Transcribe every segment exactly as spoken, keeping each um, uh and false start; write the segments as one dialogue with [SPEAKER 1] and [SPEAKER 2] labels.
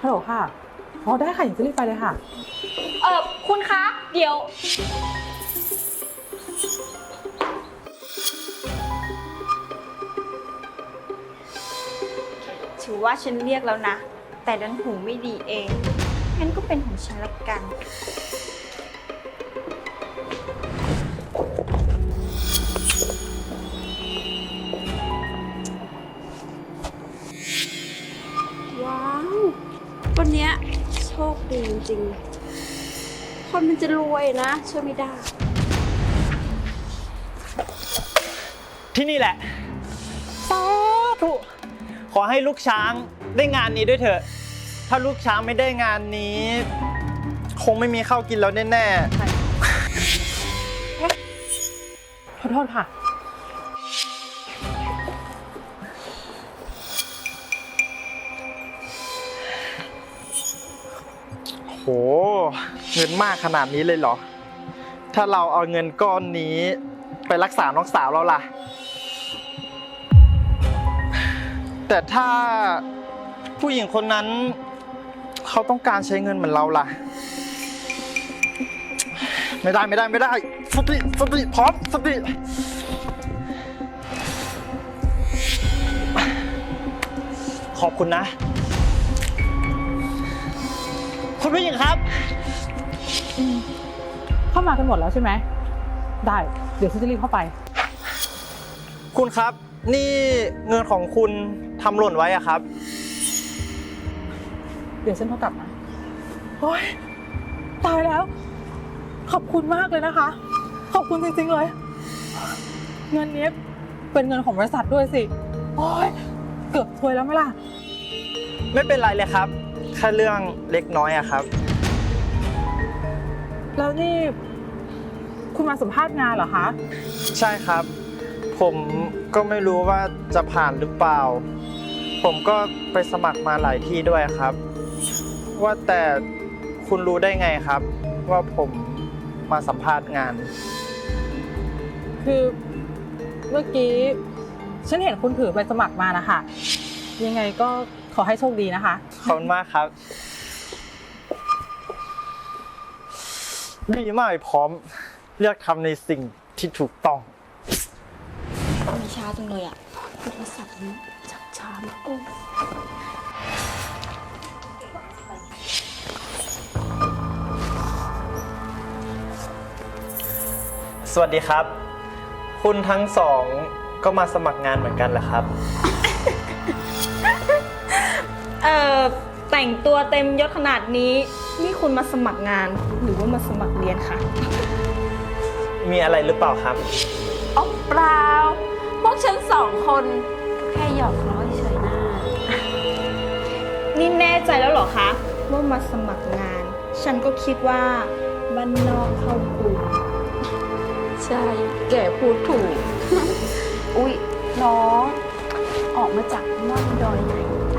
[SPEAKER 1] ฮัลโหลค่ะอ๋อได้ค่ะอย่างจะรีบไปเลยค่ะ
[SPEAKER 2] เออคุณคะเดี๋ยวถือว่าฉันเรียกแล้วนะแต่ดันหูไม่ดีเองงั้นก็เป็นของฉันละกัน
[SPEAKER 3] ว้าววันเนี้ยโชคดีจริงๆคนมันจะรวยนะช่วยไม่ได้
[SPEAKER 4] ที่นี่แหละสาธุขอให้ลูกช้างได้งานนี้ด้วยเถอะถ้าลูกช้างไม่ได้งานนี้ คงไม่มีข้าวกินแล้วแน่
[SPEAKER 1] ขอโทษค่ะ
[SPEAKER 4] ๆโหเงินมากขนาดนี้เลยเหรอถ้าเราเอาเงินก้อนนี้ไปรักษาน้องสาวเราล่ะแต่ถ้าผู้หญิงคนนั้นเขาต้องการใช้เงินเหมือนเราล่ะไม่ได้ไม่ได้ไม่ได้สติสติพร้อมสติขอบคุณนะคุณผู้หญิงครับ
[SPEAKER 1] เข้ามากันหมดแล้วใช่ไหมได้เดี๋ยวฉันจะรีบเข้าไป
[SPEAKER 4] คุณครับนี่เงินของคุณทำหล่นไว้อะครับ
[SPEAKER 1] เดี๋ยวฉันโทรกลับนะโอ๊ยตายแล้วขอบคุณมากเลยนะคะขอบคุณจริงๆเลยเงินนี้เป็นเงินของบริษัทด้วยสิโอ๊ยเกือบซวยแล้วไหมล่ะ
[SPEAKER 4] ไม่เป็นไรเลยครับแค่เรื่องเล็กน้อยอะครับ
[SPEAKER 1] แล้วนี่คุณมาสัมภาษณ์งานเหรอคะ
[SPEAKER 4] ใช่ครับผมก็ไม่รู้ว่าจะผ่านหรือเปล่าผมก็ไปสมัครมาหลายที่ด้วยครับว่าแต่คุณรู้ได้ไงครับว่าผมมาสัมภาษณ์งาน
[SPEAKER 1] คือเมื่อกี้ฉันเห็นคุณถือใบสมัครมานะคะยังไงก็ขอให้โชคดีนะคะ
[SPEAKER 4] ขอบคุณมากครับดีมากพร้อมเลือกทำในสิ่งที่ถูกต้อง
[SPEAKER 3] ไม่ช้าจังเลยอ่ะโทรศัพท์นี้จับช้ามากเลย
[SPEAKER 4] สวัสดีครับคุณทั้งสองก็มาสมัครงานเหมือนกันเหรอครับ
[SPEAKER 2] เอ่อแต่งตัวเต็มยศขนาดนี้นี่คุณมาสมัครงานหรือว่ามาสมัครเรียนคะ
[SPEAKER 4] มีอะไรหรือเปล่าครับ
[SPEAKER 3] อ๋อเปล่าพวกฉันสองคนแค่หยอกล้อเฉยๆนะ
[SPEAKER 2] นี่แน่ใจแล้วเหรอคะว่ามาสมัครงานฉันก็คิดว่าบ้านนอกเข้ากรุง
[SPEAKER 3] ใช่แกพูดถูก อุ๊ยน้องออกมาจากม่อนดอยไหน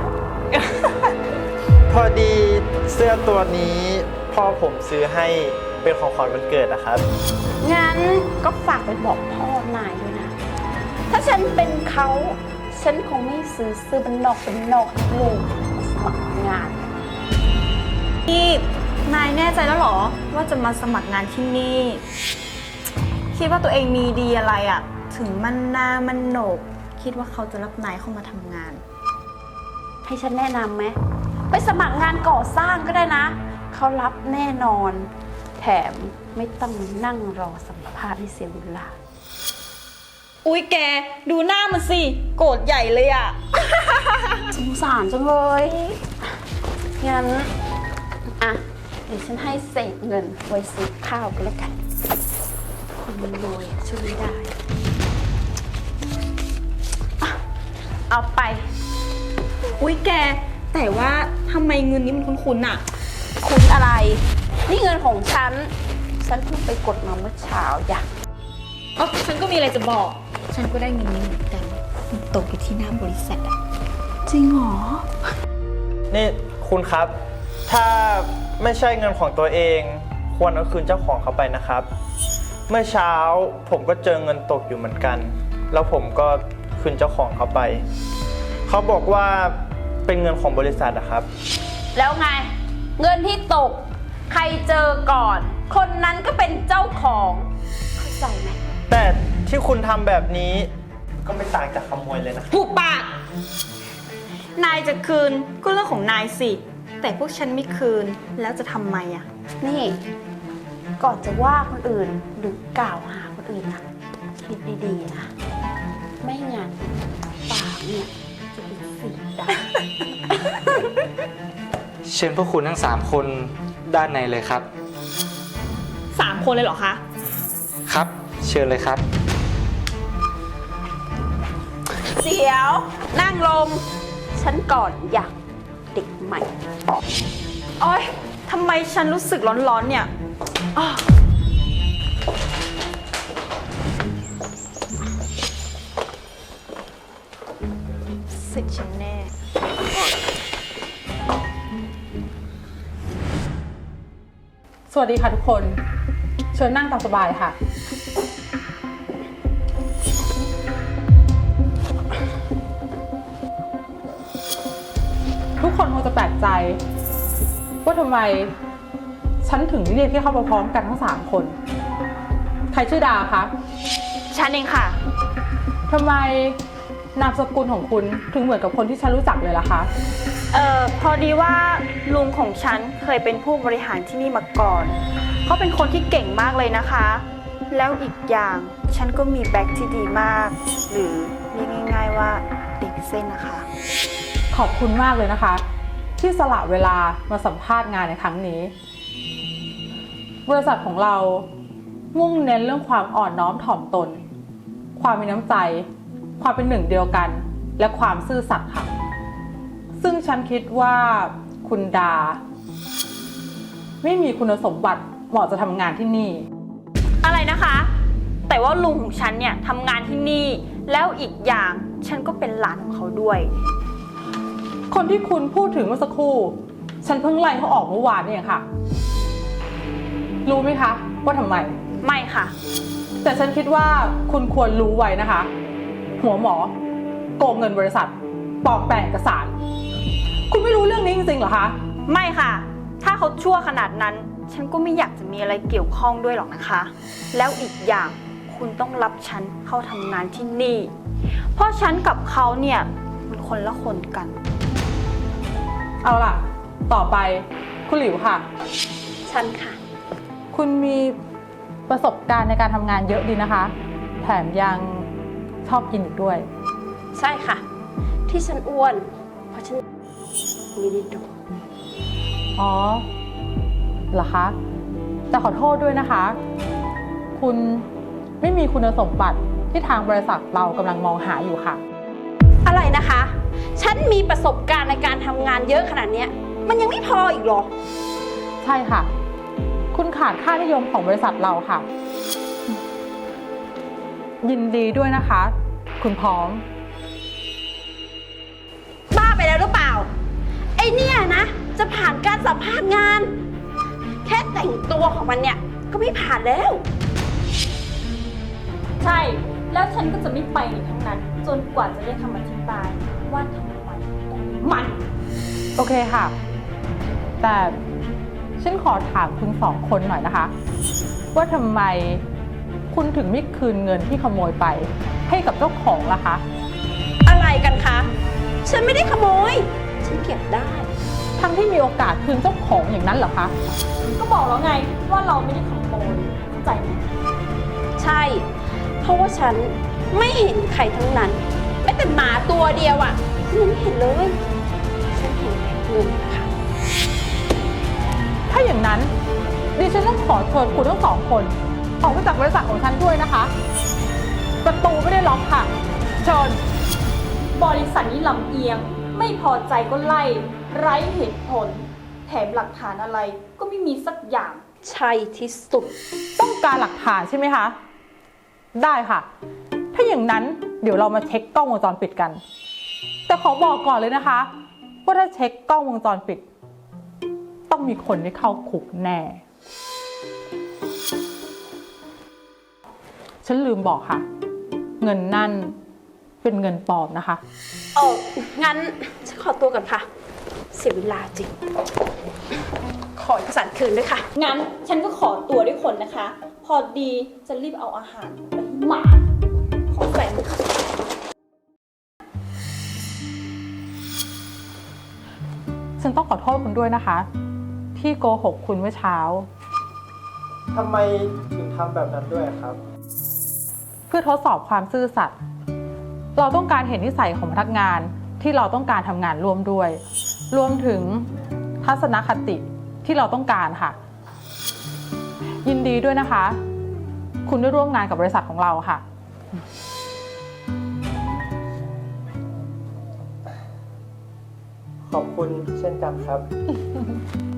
[SPEAKER 4] พอดีเสื้อตัวนี้พ่อผมซื้อให้เป็นของขวัญวันเกิดนะครับ
[SPEAKER 3] งั้นก็ฝากไปบอกพ่อนายด้วยนะถ้าฉันเป็นเขาฉันคงไม่ซื้อเสื้อเป็นนอกเป็นนอกให้ลูกสมัครงาน
[SPEAKER 2] นี่นายแน่ใจแล้วเหรอว่าจะมาสมัครงานที่นี่คิดว่าตัวเองมีดีอะไรอะถึงมันหน้ามันโหนกคิดว่าเขาจะรับนายเข้ามาทำงาน
[SPEAKER 3] ให้ฉันแนะนำไหมไปสมัครงานก่อสร้างก็ได้นะเขารับแน่นอนแถมไม่ต้องนั่งรอสัมภาษณ์ให้เสียเวลา
[SPEAKER 2] อุ๊ยแกดูหน้ามันสิโกรธใหญ่เลยอะ
[SPEAKER 3] สงสารจังเลยงั้นอ่ะเดี๋ยวฉันให้เศษเงินไว้ซื้อข้าวก็แล้วกันคนมันรวยช่วยไม่ได้เอาไป
[SPEAKER 2] อุ๊ยแกแต่ว่าทำไมเงินนี้มันคุ้นๆอะ
[SPEAKER 3] คุณอะไรนี่เงินของฉันฉันเพิ่งไปกดมาเมื่อเช้าอย่า
[SPEAKER 2] อ๋อฉันก็มีอะไรจะบอกฉันก็ได้เงินนี้เหมือนกันมันตกอยู่ที่หน้าบริษัทอะ
[SPEAKER 3] จริงเหรอ
[SPEAKER 4] นี่คุณครับถ้าไม่ใช่เงินของตัวเองควรเอาคืนเจ้าของเขาไปนะครับเมื่อเช้าผมก็เจอเงินตกอยู่เหมือนกันแล้วผมก็คืนเจ้าของเขาไปเขาบอกว่าเป็นเงินของบริษัทอะครับ
[SPEAKER 3] แล้วไง เงินที่ตก ใครเจอก่อน คนนั้นก็เป็นเจ้าของ เข้าใจไหม
[SPEAKER 4] แต่ที่คุณทำแบบนี้ก็ไม่ต่างจากขโมยเลยนะ
[SPEAKER 2] ผูกปาก นายจะคืนก็เรื่องของนายสิ แต่พวกฉันไม่คืนแล้วจะทำไมอะ
[SPEAKER 3] นี่ ก่อนจะว่าคนอื่นหรือกล่าวหาคนอื่นนะคิดดีๆนะ ไม่งั้นปากเนี่ยจะเป็นสีดำ
[SPEAKER 5] เชิญพวกคุณทั้งสามคนด้านในเลยครับ
[SPEAKER 2] สามคนเลยเหรอคะ
[SPEAKER 5] ครับ เชิญเลยครับ
[SPEAKER 3] เดี๋ยว นั่งลง ฉันก่อนอยากเด็กใหม่
[SPEAKER 2] โอ๊ยทำไมฉันรู้สึกร้อนๆเนี่ยอ้อสิทธิ์ฉันแน่
[SPEAKER 1] สวัสดีค่ะทุกคน เชิญนั่งตามสบายค่ะ ทุกคนคงจะแปลกใจว่าทำไมฉันถึงเรียกให้เข้ามาพร้อมกันทั้งสามคน ใครชื่อดาคะ
[SPEAKER 2] ฉันเองค่ะ
[SPEAKER 1] ทำไมนามสกุลของคุณถึงเหมือนกับคนที่ฉันรู้จักเลยล่ะคะ
[SPEAKER 2] เอ่อ พอดีว่าลุงของฉันเคยเป็นผู้บริหารที่นี่มาก่อน เขาเป็นคนที่เก่งมากเลยนะคะ แล้วอีกอย่างฉันก็มีแบ็คที่ดีมาก หรือเรียกง่ายๆว่าเด็กเส้นนะคะ
[SPEAKER 1] ขอบคุณมากเลยนะคะ ที่สละเวลามาสัมภาษณ์งานในครั้งนี้ บริษัทของเรามุ่งเน้นเรื่องความอ่อนน้อมถ่อมตน ความมีน้ำใจ ความเป็นหนึ่งเดียวกัน และความซื่อสัตย์ค่ะ ซึ่งฉันคิดว่าคุณดา ไม่มีคุณสมบัติเหมาะจะทำงานที่นี่
[SPEAKER 2] อะไรนะคะ แต่ว่าลุงของฉันเนี่ยทำงานที่นี่ แล้วอีกอย่างฉันก็เป็นหลานของเขาด้วย
[SPEAKER 1] คนที่คุณพูดถึงเมื่อสักครู่ ฉันเพิ่งไล่เขาออกเมื่อวานนี่เองค่ะ รู้ไหมคะว่าทำไม
[SPEAKER 2] ไม่ค่ะ
[SPEAKER 1] แต่ฉันคิดว่าคุณควรรู้ไว้นะคะ หัวหมอโกงเงินบริษัทปลอมแปลงเอกสาร คุณไม่รู้เรื่องนี้จริงๆเหรอคะ
[SPEAKER 2] ไม่ค่ะ ถ้าเขาชั่วขนาดนั้น ฉันก็ไม่อยากจะมีอะไรเกี่ยวข้องด้วยหรอกนะคะ แล้วอีกอย่างคุณต้องรับฉันเข้าทำงานที่นี่ เพราะฉันกับเขาเนี่ยมันคนละคนกัน
[SPEAKER 1] เอาล่ะ ต่อไปคุณหลิวค่ะ
[SPEAKER 3] ฉันค่ะ
[SPEAKER 1] คุณมีประสบการณ์ในการทำงานเยอะดีนะคะ แถมยังชอบกินอีกด้วย
[SPEAKER 3] ใช่ค่ะ ที่ฉันอ้วน เพราะฉันไม่ได้ดู
[SPEAKER 1] อ๋อ เหรอคะ แต่ขอโทษด้วยนะคะ คุณไม่มีคุณสมบัติที่ทางบริษัทเรากำลังมองหาอยู่ค่ะ
[SPEAKER 3] อะไรนะคะ ฉันมีประสบการณ์ในการทำงานเยอะขนาดเนี้ย มันยังไม่พออีกเหรอ
[SPEAKER 1] ใช่ค่ะ คุณขาดค่านิยมของบริษัทเราค่ะ ยินดีด้วยนะคะ คุณพร้อม
[SPEAKER 3] บ้าไปแล้วหรือเปล่า ไอเนี่ยนะ จะผ่านการสัมภาษณ์งาน แค่แต่งตัวของมันเนี่ย ก็ไม่ผ่านแล้ว
[SPEAKER 2] ใช่ แล้วฉันก็จะไม่ไปในทั้งนั้น จนกว่าจะได้คำอธิบายว่าทำไมมัน
[SPEAKER 1] โอเคค่ะ แต่ฉันขอถามคุณสองคนหน่อยนะคะ ว่าทำไมคุณถึงไม่คืนเงินที่ขโมยไป ให้กับเจ้าของล่ะคะ
[SPEAKER 3] อะไรกันคะ ฉันไม่ได้ขโมย ฉันเก็บได้
[SPEAKER 1] ทั้งที่มีโอกาสคืนเจ้าของอย่างนั้นเหรอคะ
[SPEAKER 2] ก็บอกแล้วไงว่าเราไม่ได้ขโมยเข้าใจไหม
[SPEAKER 3] ใช่ เพราะว่าฉันไม่เห็นใครทั้งนั้นแม้แต่หมาตัวเดียวอะ่ะฉันยังไม่เห็นเลย ฉันเห็นแต่เงินค่ะ
[SPEAKER 1] ถ้าอย่างนั้นดิฉันต้องขอเชิญคุณทั้งสองคนออกไปจากบริษัทของฉันด้วยนะคะ ประตูไม่ได้ล็อกค่ะ เชิญ
[SPEAKER 2] บริษัทนี้ลำเอียง ไม่พอใจก็ไล่ ไร้เหตุผล แถมหลักฐานอะไรก็ไม่มีสักอย่าง
[SPEAKER 3] ใช่ที่สุด
[SPEAKER 1] ต้องการหลักฐานใช่ไหมคะ ได้ค่ะ ถ้าอย่างนั้นเดี๋ยวเรามาเช็คกล้องวงจรปิดกัน แต่ขอบอกก่อนเลยนะคะ ว่าถ้าเช็คกล้องวงจรปิด ต้องมีคนได้เข้าคุกแน่ ฉันลืมบอกค่ะ เงินนั่นเป็นเงินปลอมนะคะ
[SPEAKER 3] เอองั้นฉันขอตัวก่อนค่ะเสียเวลาจริง ขอเอกสารคืนด้วยค่ะ
[SPEAKER 2] งั้นฉันก็ขอตัวด้วยคนนะคะ พอดีจะรีบเอาอาหารไปให้หมา ขอแฟนด้วยค่ะ
[SPEAKER 1] ฉันต้องขอโทษคุณด้วยนะคะ ที่โกหกคุณเมื่อเช้า
[SPEAKER 4] ทำไมถึงทำแบบนั้นด้วยครับ
[SPEAKER 1] เพื่อทดสอบความซื่อสัตย์เราต้องการเห็นนิสัยของพนักงานที่เราต้องการทำงานร่วมด้วย รวมถึงทัศนคติที่เราต้องการค่ะ ยินดีด้วยนะคะ คุณได้ร่วมงานกับบริษัทของเราค่ะ
[SPEAKER 4] ขอบคุณเช่นกันครับ